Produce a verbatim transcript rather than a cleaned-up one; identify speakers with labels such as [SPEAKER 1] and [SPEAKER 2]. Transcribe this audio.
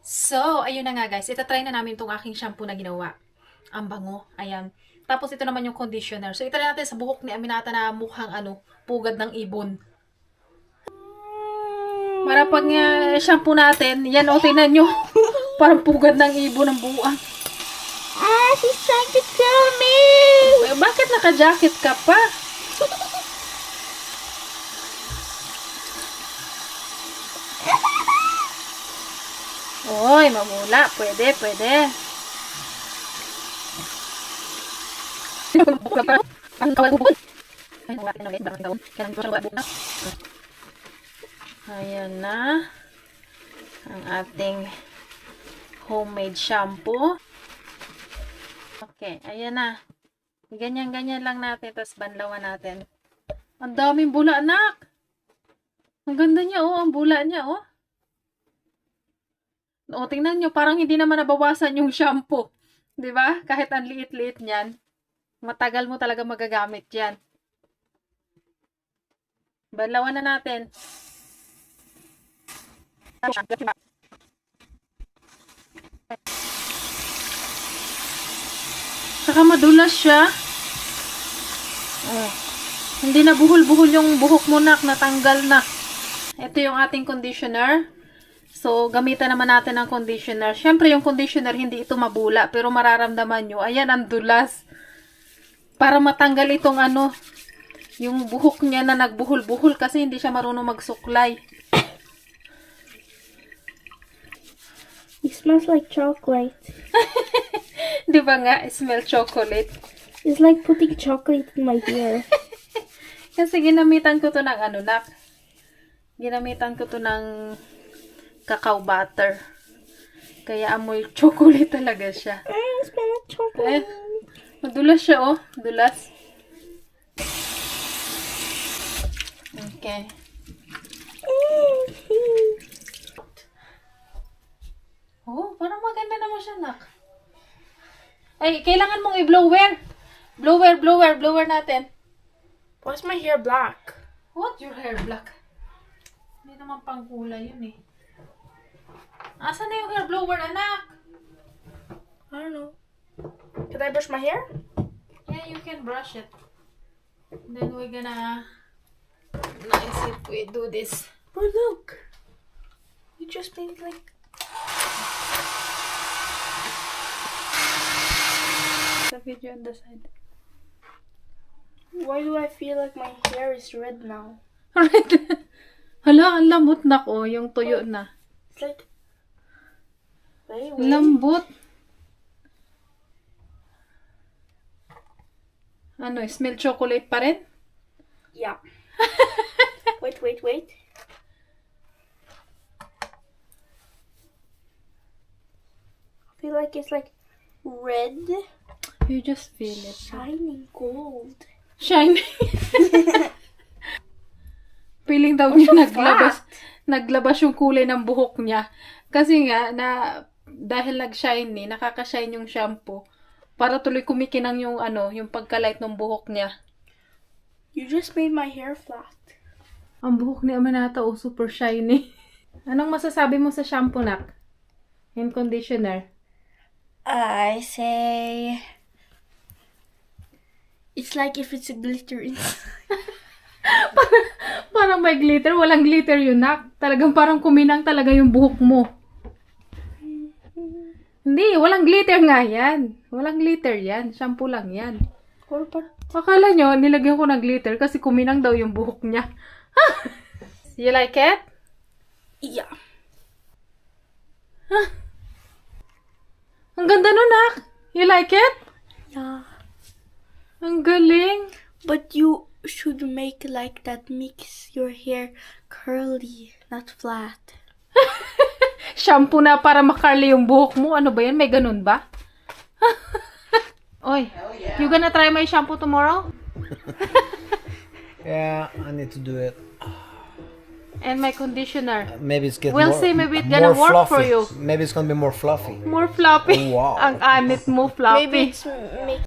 [SPEAKER 1] So, ayun na nga guys. Itatry na namin itong aking shampoo na ginawa. Ang bango. Ayan. Tapos ito naman yung conditioner. So, itry natin sa buhok ni Aminata na mukhang ano, pugad ng ibon. Para pag uh, shampoo natin, yan o, tingnan nyo. Parang pugad ng ibon ang buwang.
[SPEAKER 2] Ah, she's trying to kill me!
[SPEAKER 1] Eh, bakit naka-jacket ka pa? Oy, mamula. Pwede, pwede. Ayan na. Ang ating homemade shampoo. Okay, ayan na. Ganyan-ganyan lang natin. Tapos banlawan natin. Ang daming bula, anak. Ang ganda niya, oh. Ang bula niya, oh. O, tingnan nyo, parang hindi naman nabawasan yung shampoo. Di ba? Kahit ang liit-liit niyan. Matagal mo talaga magagamit yan. Banlawan na natin. Saka madulas siya. Oh. Hindi na buhol-buhol yung buhok mo, nak. Natanggal na. Ito yung ating conditioner. So, gamitan naman natin ng conditioner. Siyempre, yung conditioner, hindi ito mabula. Pero mararamdaman nyo, ayan, ang dulas. Para matanggal itong ano, yung buhok niya na nagbuhol-buhol kasi hindi siya marunong magsuklay.
[SPEAKER 2] It smells like chocolate.
[SPEAKER 1] Di ba nga? It smell chocolate.
[SPEAKER 2] It's like putting chocolate in my hair.
[SPEAKER 1] Kasi ginamitan ko to ng ano, nak. Ginamitan ko to ng cacao butter. Kaya amoy chocolate talaga siya.
[SPEAKER 2] I smell like chocolate.
[SPEAKER 1] Eh, madulas siya, oh. Dulas. Okay. Oh, parang maganda naman siya, nak. Ay, kailangan mong i-blower. Blower, blower, blower natin.
[SPEAKER 2] Why's my hair black?
[SPEAKER 1] What? Your hair black? Hindi naman pang kulay yun, eh. Asan na yung hair blower, anak?
[SPEAKER 2] I don't know. Can I brush my hair?
[SPEAKER 1] Yeah, you can brush it. Then we're gonna nice if we do this.
[SPEAKER 2] Oh, look. You just made like...
[SPEAKER 1] The video on the side.
[SPEAKER 2] Why do I feel like my hair is red now?
[SPEAKER 1] Alright. Hala, ang lamot na ko. Yung tuyo na.
[SPEAKER 2] It's like... Wait, wait.
[SPEAKER 1] Lambot. Ano, smell chocolate pa rin?
[SPEAKER 2] Yeah. Wait, wait, wait. I feel like it's like red,
[SPEAKER 1] You just feel it.
[SPEAKER 2] shining gold.
[SPEAKER 1] Shiny. Feeling daw niya naglabas, naglabas yung kulay ng buhok niya. Kasi nga, na, dahil nag-shiny, nakaka-shine yung shampoo. Para tuloy kumikinang yung ano, yung pagka-light ng buhok niya.
[SPEAKER 2] You just made my hair flat.
[SPEAKER 1] Ang buhok ni Aminata, oh, super shiny. Anong masasabi mo sa shampoo, nak? And conditioner?
[SPEAKER 2] I say... It's like if it's a glitter inside.
[SPEAKER 1] parang, parang may glitter. Walang glitter yun, nak. Talagang parang kuminang talaga yung buhok mo. Hindi, walang glitter nga yan. Walang glitter yan. Shampoo lang yan.
[SPEAKER 2] Or but
[SPEAKER 1] Akala nyo, nilagyan ko ng glitter kasi kuminang daw yung buhok niya. You like it?
[SPEAKER 2] yeah.
[SPEAKER 1] Ang ganda nun, nak. You like it?
[SPEAKER 2] Yeah.
[SPEAKER 1] Ang galing.
[SPEAKER 2] But you should make like that makes your hair curly, not flat.
[SPEAKER 1] Shampoo na para makarli yung buhok mo. Ano ba yan? May ganun ba? Oy, you gonna try my shampoo tomorrow?
[SPEAKER 3] Yeah, I need to do it.
[SPEAKER 1] And my conditioner.
[SPEAKER 3] Maybe it's get
[SPEAKER 1] We'll
[SPEAKER 3] more,
[SPEAKER 1] see, maybe it's
[SPEAKER 3] more
[SPEAKER 1] gonna work
[SPEAKER 3] fluffy.
[SPEAKER 1] for you.
[SPEAKER 3] Maybe it's gonna be more fluffy.
[SPEAKER 1] More floppy.
[SPEAKER 3] Oh, wow.
[SPEAKER 1] Ang anit mo, floppy.
[SPEAKER 2] Maybe it's make